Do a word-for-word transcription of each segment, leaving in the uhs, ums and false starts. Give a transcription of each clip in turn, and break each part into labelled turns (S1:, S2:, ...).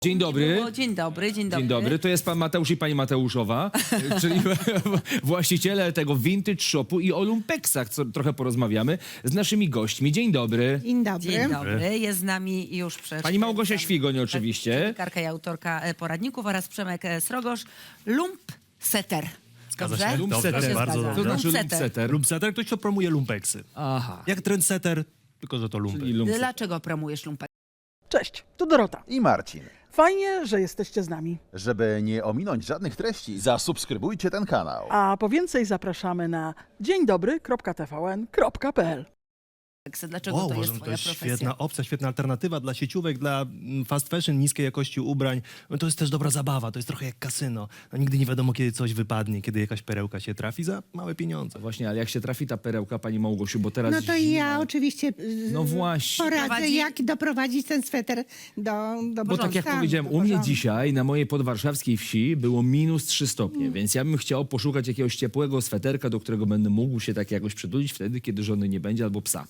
S1: Dzień dobry.
S2: Niedługo. Dzień dobry, dzień dobry.
S1: Dzień dobry, to jest pan Mateusz i pani Mateuszowa, czyli właściciele tego vintage shopu i o lumpeksach, co trochę porozmawiamy z naszymi gośćmi. Dzień dobry.
S3: Dzień dobry.
S2: Dzień dobry. Jest z nami już przed...
S1: Pani Małgosia Świgoń oczywiście.
S2: Dziennikarka i autorka e, poradników oraz Przemek e, Srogosz. Lump setter.
S4: Zgadza
S2: Dobrze?
S4: się.
S1: Lumpsetter.
S4: Dobrze,
S2: się
S4: bardzo
S2: zgadza.
S1: To
S4: dobrze.
S1: znaczy
S2: Lumpsetter.
S1: lumpsetter.
S4: Lumpsetter, ktoś, kto promuje lumpeksy.
S1: Aha.
S4: Jak trendsetter, tylko że to lumpek.
S1: Czyli lumpsetter.
S2: Dlaczego promujesz lumpek?
S5: Cześć, tu Dorota.
S6: I Marcin.
S5: Fajnie, że jesteście z nami.
S6: Żeby nie ominąć żadnych treści, zasubskrybujcie ten kanał.
S5: A po więcej zapraszamy na dzień dobry kropka t v n kropka p l.
S2: Dlaczego
S4: O,
S2: to jest
S4: uważam, to
S2: twoja
S4: jest
S2: profesja?
S4: świetna opcja, świetna alternatywa dla sieciówek, dla mm, fast fashion, niskiej jakości ubrań. No to jest też dobra zabawa, to jest trochę jak kasyno. No, nigdy nie wiadomo, kiedy coś wypadnie, kiedy jakaś perełka się trafi za małe pieniądze.
S1: Właśnie, ale jak się trafi ta perełka, pani Małgosiu, bo teraz
S3: No to
S1: zima.
S3: ja oczywiście y,
S1: No właśnie.
S3: poradzę,
S2: Prowadzi-
S3: jak doprowadzić ten sweter do, do
S1: Bo tak jak
S3: stanu,
S1: powiedziałem,
S3: do
S1: u mnie
S3: porządku.
S1: dzisiaj na mojej podwarszawskiej wsi było minus trzy stopnie, więc ja bym chciał poszukać jakiegoś ciepłego sweterka, do którego będę mógł się tak jakoś przytulić wtedy, kiedy żony nie będzie, albo psa,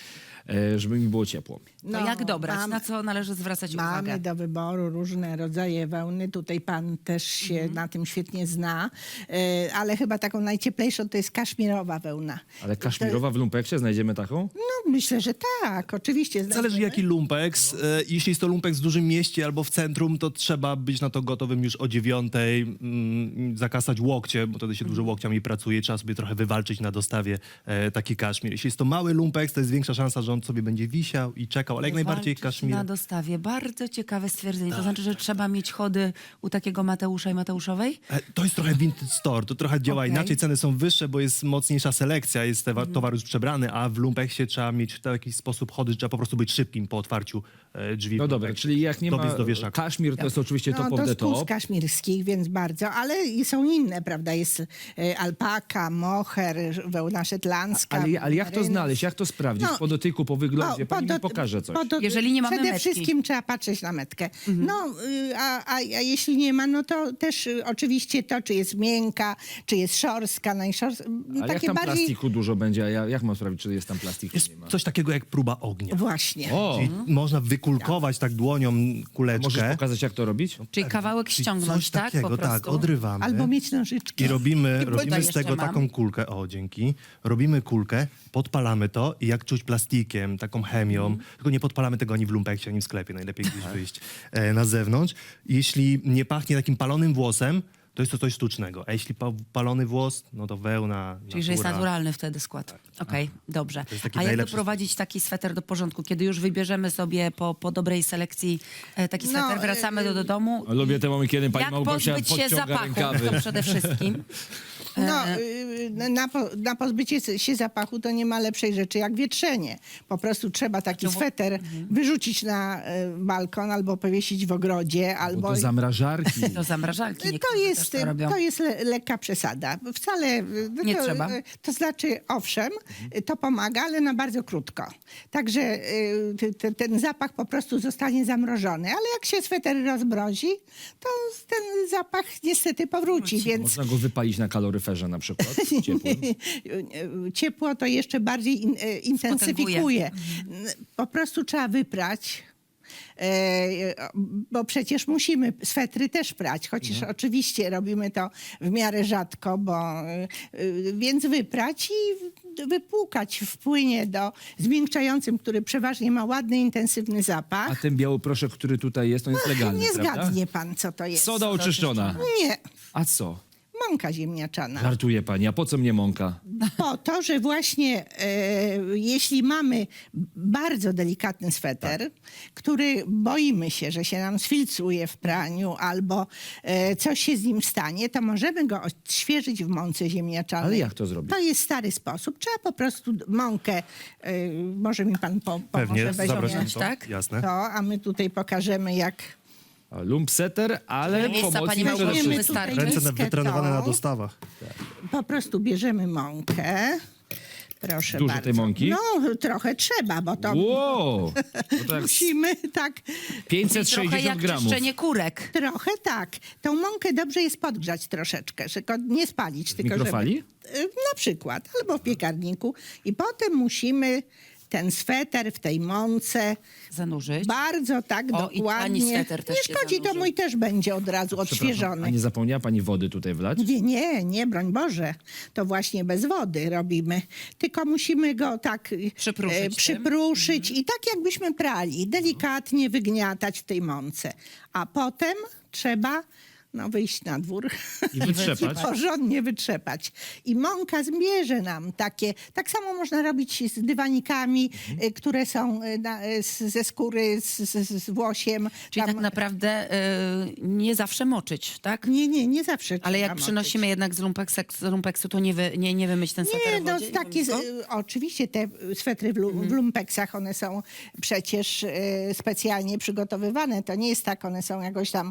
S1: e, żeby mi było ciepło.
S2: To
S3: No,
S2: jak dobrać?
S3: mam-
S2: Na co należy zwracać
S3: Mamy
S2: uwagę?
S3: do wyboru różne rodzaje wełny. Tutaj pan też się
S2: Mhm.
S3: na tym świetnie zna, y, ale chyba taką najcieplejszą to jest kaszmirowa wełna.
S1: Ale kaszmirowa w lumpeksie znajdziemy taką?
S3: No myślę, że tak, oczywiście.
S4: Zależy
S3: znajdziemy.
S4: jaki lumpeks. E, Jeśli jest to lumpeks w dużym mieście albo w centrum, to trzeba być na to gotowym już o dziewiątej, mm, zakasać łokcie, bo wtedy się dużo łokciami pracuje. Trzeba sobie trochę wywalczyć na dostawie e, taki kaszmir. Jeśli jest to mały lumpeks, to jest większa szansa, że on sobie będzie wisiał i czekał, ale jak najbardziej
S2: Walczyć
S4: kaszmir.
S2: na dostawie. Bardzo ciekawe stwierdzenie. To znaczy, że trzeba mieć chody u takiego Mateusza i Mateuszowej?
S4: E, To jest trochę vintage store, to trochę działa
S3: Okej.
S4: inaczej, ceny są wyższe, bo jest mocniejsza selekcja, jest tewa- towar już przebrany, a w lumpeksie trzeba mieć w jakiś sposób chody, trzeba po prostu być szybkim po otwarciu e, drzwi.
S1: No
S4: w
S1: dobra,
S4: lumpeksie.
S1: czyli jak nie
S4: Dobiec
S1: ma
S4: do wieszaka.
S1: kaszmir, to jest oczywiście
S3: No,
S1: top of
S3: to
S1: the
S3: z kóz
S1: top.
S3: kaszmirskich, więc bardzo, ale i są inne, prawda? Jest y, alpaka, moher, wełna szetlandzka.
S1: Ale, ale jak to
S3: merino.
S1: znaleźć, jak to sprawdzić?
S3: No,
S1: po dotyku, po wyglądzie,
S3: O,
S1: pani mi
S3: dot-
S1: pokaże coś.
S3: po dot-
S2: Jeżeli nie mamy
S3: Przede
S2: metki.
S3: wszystkim trzeba patrzeć na metkę. No, y, a, a, a jeśli nie ma, no to też y, oczywiście to, czy jest miękka, czy jest szorstka, najszorstka.
S1: Ale jak tam plastiku dużo będzie, a ja, jak mam sprawdzić, czy jest tam plastik, czy
S4: Jest
S1: nie ma?
S4: coś takiego jak próba ognia.
S3: Właśnie.
S1: O,
S4: Czyli można wykulkować tak dłonią kuleczkę.
S1: możesz pokazać, jak to robić?
S2: Czyli kawałek
S4: Czyli
S2: ściągnąć,
S4: coś
S2: tak?
S4: takiego,
S2: Po
S4: tak,
S2: prostu.
S4: odrywamy.
S3: Albo mieć nożyczki.
S4: I robimy,
S2: I tutaj
S4: robimy z
S2: jeszcze
S4: tego
S2: mam.
S4: taką kulkę, o dzięki, robimy kulkę, podpalamy to i jak czuć plastikiem, taką chemią,
S2: Mhm.
S4: tylko nie podpalamy tego ani w lumpeksie, ani w sklepie, najlepiej gdzieś wyjść e, na zewnątrz. Jeśli nie pachnie takim palonym włosem, to jest to coś sztucznego, a jeśli pa palony włos, no to wełna,
S2: Czyli, że jest
S4: natura.
S2: naturalny wtedy skład. Okej, dobrze.
S4: jest taki
S2: A jak
S4: najlepszy
S2: doprowadzić taki sweter do porządku? Kiedy już wybierzemy sobie po, po dobrej selekcji e, taki
S3: No,
S2: sweter, wracamy do, do domu.
S1: Lubię te momenty, kiedy pani
S2: Jak
S1: Małgosia
S2: pozbyć się
S1: podciąga
S2: zapachu?
S1: rękawy.
S2: To przede wszystkim.
S3: No, y, na, po, na pozbycie się zapachu to nie ma lepszej rzeczy jak wietrzenie. Po prostu trzeba taki sweter wyrzucić na y, balkon albo powiesić w ogrodzie,
S1: Bo
S3: albo...
S1: do zamrażarki.
S2: Do zamrażalki
S3: To
S2: niektórzy
S3: jest,
S2: też to robią.
S3: to jest le, lekka przesada. Wcale y,
S2: Nie
S3: to,
S2: trzeba.
S3: y, To znaczy, owszem, y, to pomaga, ale na bardzo krótko. Także y, ty- ty- ten zapach po prostu zostanie zamrożony. Ale jak się sweter rozmrozi, to ten zapach niestety powróci. Więc
S1: Można go wypalić na kaloryferze na przykład, ciepłym.
S3: ciepło to jeszcze bardziej in, e, intensyfikuje. Po prostu trzeba wyprać. E, bo przecież musimy swetry też prać, chociaż oczywiście robimy to w miarę rzadko, bo e, więc wyprać i wypłukać w płynie do zmiękczającym, który przeważnie ma ładny, intensywny
S1: A
S3: zapach.
S1: ten biały proszek, który tutaj jest, on jest legalny,
S3: Nie
S1: prawda?
S3: zgadnie pan, co to jest.
S1: Soda oczyszczona.
S3: Nie,
S1: A co?
S3: mąka ziemniaczana.
S1: Żartuje pani, a po co mnie mąka?
S3: Po to, że właśnie e, jeśli mamy bardzo delikatny sweter,
S1: Tak.
S3: który boimy się, że się nam sfilcuje w praniu albo e, coś się z nim stanie, to możemy go odświeżyć w mące ziemniaczanej.
S1: Ale jak to zrobić?
S3: To jest stary sposób. Trzeba po prostu mąkę, e, może mi pan po, pomoże
S4: Pewnie,
S3: weźmie
S4: zapraszam to,
S2: tak?
S4: jasne.
S3: to, a my tutaj pokażemy jak...
S1: A Lumpsetter, ale
S2: Miejsca pani
S1: pomocnik przede
S2: Małgosiu
S1: wszystkim.
S2: wystarczy.
S4: Ręce
S3: miskę
S4: wytrenowane na
S3: tą.
S4: dostawach.
S3: Po prostu bierzemy mąkę. Proszę
S1: Dużo
S3: bardzo.
S1: tej mąki?
S3: No, trochę trzeba, bo to
S1: Wow! No tak
S3: musimy tak
S1: pięćset
S2: Trochę
S1: sześćdziesiąt
S2: jak
S1: gramów.
S2: czyszczenie kurek.
S3: trochę tak. Tą mąkę dobrze jest podgrzać troszeczkę, że go nie spalić.
S1: W
S3: tylko
S1: mikrofali?
S3: Żeby, y, na przykład, albo w piekarniku. I potem musimy ten sweter w tej mące.
S2: Zanurzyć.
S3: Bardzo tak
S2: O, i
S3: dokładnie.
S2: pani sweter też
S3: nie
S2: się
S3: szkodzi, to
S2: zanurzy.
S3: mój też będzie od razu
S1: Przepraszam,
S3: odświeżony.
S1: a nie zapomniała pani wody tutaj wlać?
S3: Nie, nie, nie, broń Boże. To właśnie bez wody robimy. Tylko musimy go tak e,
S2: Przypruszyć tym.
S3: przypruszyć i tak jakbyśmy prali. Delikatnie wygniatać w tej mące. A potem trzeba no, wyjść na dwór
S1: I wytrzepać.
S3: i porządnie wytrzepać. I mąka zbierze nam takie... Tak samo można robić z dywanikami,
S1: Mhm.
S3: y, które są y, na, y, z- ze skóry, z, z, z włosiem.
S2: Czyli
S3: Tam-
S2: tak naprawdę y, nie zawsze moczyć, tak?
S3: Nie, nie, nie zawsze
S2: Ale jak
S3: trzeba
S2: przynosimy
S3: moczyć.
S2: jednak z lumpeksu, z lumpeksu to nie, wy, nie, nie wymyć ten sweter
S3: Nie,
S2: w
S3: no
S2: wodzie?
S3: takie, z-
S2: Mimo?
S3: y, oczywiście te swetry w, lu, w lumpeksach, one są przecież y, specjalnie przygotowywane. To nie jest tak, one są jakoś tam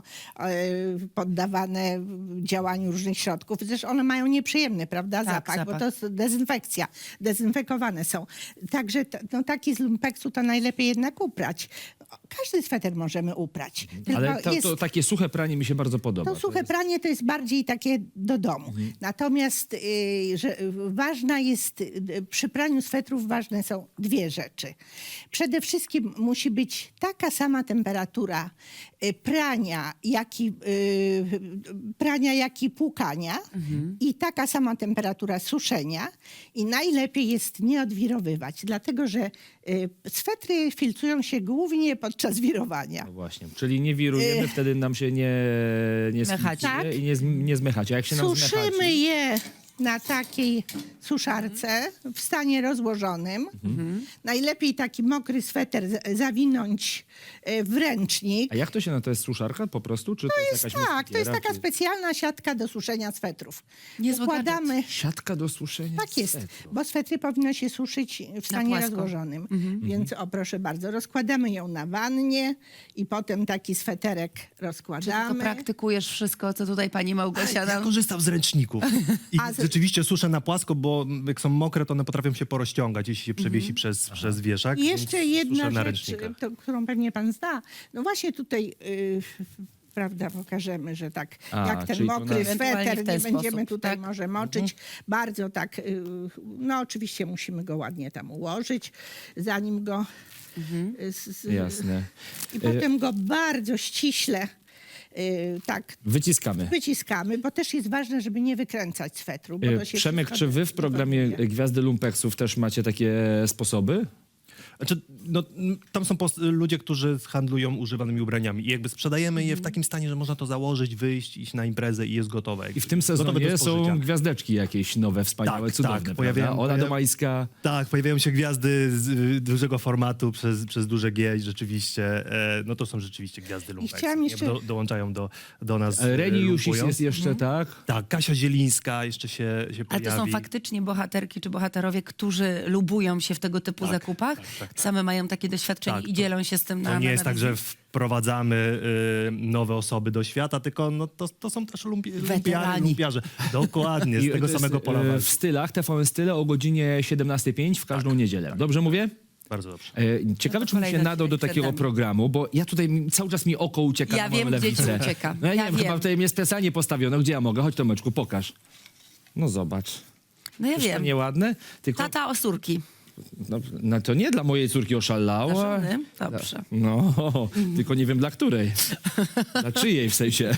S3: y, poddawane działaniu różnych środków. Zresztą one mają nieprzyjemny, prawda,
S2: Tak,
S3: zapach, bo
S2: zapach.
S3: to jest dezynfekcja. Dezynfekowane są. Także t- no, taki z lumpeksu to najlepiej jednak uprać. Każdy sweter możemy uprać. Tylko
S1: Ale to,
S3: jest...
S1: to takie suche pranie mi się bardzo podoba.
S3: To suche pranie to jest bardziej takie do domu. Natomiast y, że, y, ważna jest, y, przy praniu swetrów ważne są dwie rzeczy. Przede wszystkim musi być taka sama temperatura y, prania, jak i, y, prania, jak i płukania i taka sama temperatura suszenia. I najlepiej jest nie odwirowywać, dlatego że y, swetry filcują się głównie podczas wirowania.
S1: No właśnie, czyli nie wirujemy, wtedy nam się nie, nie
S2: Zmechaci.
S1: sfiltruje
S3: Tak.
S1: i nie, zm- nie zmechacie. A jak się nam
S3: Suszymy
S1: zmechaci,
S3: je na takiej suszarce w stanie rozłożonym. Najlepiej taki mokry sweter z- zawinąć e, w ręcznik.
S1: a jak to się na to jest suszarka po prostu? Czy to, jest jakaś
S3: Tak, to jest
S1: muskiera,
S3: taka
S1: czy...
S3: specjalna siatka do suszenia swetrów.
S2: Niezły
S3: Układamy.
S1: Siatka do suszenia
S3: Tak jest,
S1: swetru.
S3: bo swetry powinno się suszyć w stanie
S2: płasko.
S3: rozłożonym. Więc o proszę bardzo, rozkładamy ją na wannie i potem taki sweterek
S2: Czy ty to
S3: rozkładamy.
S2: praktykujesz wszystko, co tutaj pani Małgosia
S4: Ja
S2: nam...
S4: korzystam z ręczników. I
S3: A z-
S4: rzeczywiście suszę na płasko, bo jak są mokre, to one potrafią się porozciągać, jeśli się przewiesi przez, przez wieszak.
S3: I
S4: więc
S3: jeszcze jedna
S4: suszę na
S3: rzecz,
S4: ręcznikach.
S3: to, którą pewnie pan zna. No właśnie tutaj, y, prawda, pokażemy, że tak
S1: A,
S3: jak ten
S1: czyli to
S3: mokry
S1: na-
S2: Ewentualnie
S3: sweter,
S2: w ten
S3: nie będziemy
S2: sposób,
S3: tutaj
S2: tak?
S3: może moczyć. Bardzo tak, y, no oczywiście musimy go ładnie tam ułożyć, zanim go... y, z- z-
S1: Jasne.
S3: I potem go bardzo ściśle y, tak
S1: Wyciskamy.
S3: wyciskamy, bo też jest ważne, żeby nie wykręcać swetru. Bo
S1: E,
S3: to się
S1: Przemek,
S3: wszystko
S1: czy wy w programie
S3: deformuje.
S1: Gwiazdy Lumpeksów też macie takie sposoby?
S4: Znaczy, no, m, tam są pos- ludzie, którzy handlują używanymi ubraniami i jakby sprzedajemy je w takim stanie, że można to założyć, wyjść, iść na imprezę i jest gotowe.
S1: I w tym
S4: Gotowe do
S1: sezonie
S4: spożycia.
S1: są gwiazdeczki jakieś nowe, wspaniałe,
S4: Tak,
S1: cudowne,
S4: tak,
S1: prawda?
S4: pojawiają-
S1: Ola
S4: pojaw-
S1: Domańska.
S4: Tak, pojawiają się gwiazdy z y, dużego formatu przez, przez duże G i rzeczywiście, e, no to są rzeczywiście gwiazdy lumpeksów.
S3: chciałam
S4: nie?
S3: jeszcze-
S4: Do, dołączają do, do nas.
S1: E, Reni
S4: e,
S1: Jusis
S4: lumpują.
S1: jest jeszcze, tak?
S4: Tak, Kasia Zielińska jeszcze się, się
S2: Ale
S4: pojawi.
S2: to są faktycznie bohaterki czy bohaterowie, którzy lubują się w tego typu
S4: Tak,
S2: zakupach.
S4: tak, tak, tak.
S2: Same mają takie doświadczenie
S4: Tak,
S2: i
S4: to-
S2: dzielą się z tym na
S4: To nie
S2: na
S4: jest tak,
S2: telewizji.
S4: że wprowadzamy y, nowe osoby do świata, tylko no, to, to są też lumpi, lumpiarze,
S2: Weterani.
S4: lumpiarze. Dokładnie, z
S1: I
S4: tego
S1: to jest,
S4: samego pola
S1: e,
S4: walki.
S1: w stylach, T V N Style o godzinie siedemnasta pięć w każdą niedzielę. Dobrze mówię?
S4: Bardzo dobrze.
S1: E, Ciekawe,
S2: No to
S1: czy bym się
S2: kolejny
S1: nadał do
S2: przed
S1: takiego
S2: nami.
S1: programu, bo ja tutaj mi- cały czas mi oko ucieka
S2: Ja
S1: na moją
S2: wiem, gdzie ci
S1: lewicę.
S2: ucieka.
S1: No ja,
S2: Ja
S1: nie wiem, chyba
S2: wiem.
S1: tutaj mnie specjalnie postawiono. Gdzie ja mogę? Chodź Tomeczku, pokaż. No zobacz.
S2: No ja
S1: Czyż to
S2: wiem.
S1: nieładne? Tylko,
S2: Tata osurki.
S1: no, no to nie dla mojej córki oszalała.
S2: Dla żony? Dobrze.
S1: No, tylko nie wiem dla której. Dla czyjej w sensie.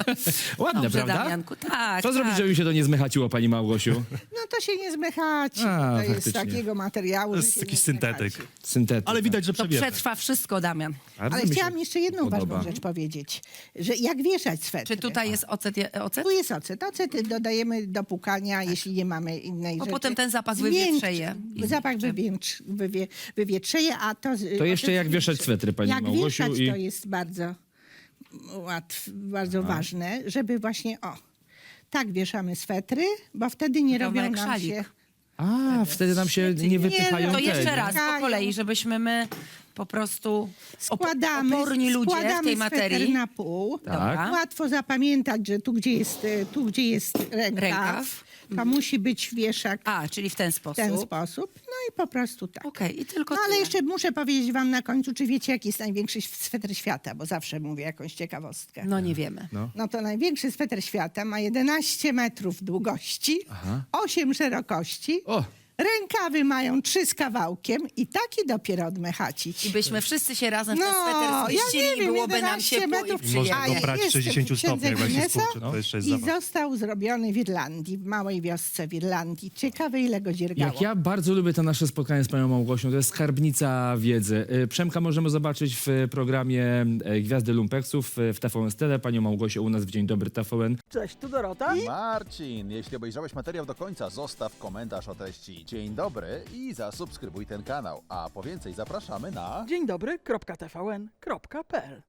S1: Ładne,
S2: Dobrze,
S1: prawda?
S2: Damianku, tak,
S1: Co
S2: tak.
S1: zrobić, żeby mi się to nie zmechaciło, pani Małgosiu?
S3: No to się nie zmechaci.
S1: A,
S3: to jest
S1: faktycznie.
S3: takiego materiału,
S4: To
S3: że
S4: jest
S3: się
S4: jakiś
S3: nie
S4: syntetyk.
S3: zmechaci.
S1: Syntetyk.
S4: Ale widać, że
S2: To
S4: przewiemy.
S2: przetrwa wszystko, Damian.
S1: Bardzo
S3: Ale
S1: mi się
S3: chciałam jeszcze jedną
S1: podoba.
S3: ważną rzecz powiedzieć, że jak wieszać swetry.
S2: Czy tutaj jest ocet? ocet?
S3: Tu jest ocet. Ocet dodajemy do płukania, jeśli nie mamy innej
S2: Bo
S3: rzeczy.
S2: potem ten zapach
S3: Zmiękczy-
S2: wywietrzeje. I
S3: Zapach
S2: zmiękczy.
S3: wywietrz, wywie, wywietrzeje, a to... z-
S1: To jeszcze
S3: ocet
S1: jak wieszać
S3: zmiękczy.
S1: swetry, pani
S3: Jak
S1: Małgosiu,
S3: wieszać,
S1: i-
S3: to jest bardzo łatw, bardzo ważne, żeby właśnie, o, tak wieszamy swetry, bo wtedy nie
S2: Wygląda
S3: robią
S2: jak
S3: nam
S2: szalik.
S3: się...
S1: A, wtedy nam się nie wypychają
S2: To
S1: te,
S2: jeszcze
S1: nie?
S2: raz, po
S3: Kają.
S2: kolei, żebyśmy my po prostu op-
S3: Składamy,
S2: oporni ludzie w
S3: składamy
S2: tej
S3: sweter
S2: materii.
S3: na pół.
S1: Tak.
S3: Łatwo zapamiętać, że tu gdzie jest, e, tu, gdzie jest rękaw,
S2: Rękaw.
S3: to musi być wieszak
S2: A, czyli w ten
S3: w
S2: sposób.
S3: ten sposób. No i po prostu tak.
S2: Okej, i tylko
S3: No ale
S2: tyle.
S3: jeszcze muszę powiedzieć wam na końcu, czy wiecie, jaki jest największy sweter świata, bo zawsze mówię jakąś ciekawostkę.
S2: No nie wiemy.
S3: No to największy sweter świata ma jedenaście metrów długości, osiem szerokości,
S1: O,
S3: Rękawy mają trzy z kawałkiem i taki dopiero odmechacić.
S2: I byśmy wszyscy się razem w ten
S3: No,
S2: sweter
S3: ja
S2: zmieścili
S3: nie
S2: i
S3: wiem,
S2: byłoby nam
S3: jedenaście
S2: ciepło i
S3: metrów.
S2: przyjemnie.
S4: Można go prać w
S3: jestem
S4: sześćdziesięciu
S3: w księdze
S4: stopniach, jak się
S3: Guinnessa
S4: skurczy. To jeszcze jest
S3: I
S4: zabawa.
S3: został zrobiony w Irlandii, w małej wiosce w Irlandii. Ciekawe, ile go dziergało.
S1: Jak ja bardzo lubię to nasze spotkanie z panią Małgosią, to jest skarbnica wiedzy. Y, Przemka możemy zobaczyć w programie y, Gwiazdy Lumpeksów y, w T V N Style. Panią Małgosię u nas w Dzień Dobry T V N.
S5: Cześć, tu Dorota.
S6: Marcin, jeśli obejrzałeś materiał do końca, zostaw komentarz o treści Dzień dobry i zasubskrybuj ten kanał. A po więcej zapraszamy na...
S5: Dzień dobry, kropka T V N, kropka P L.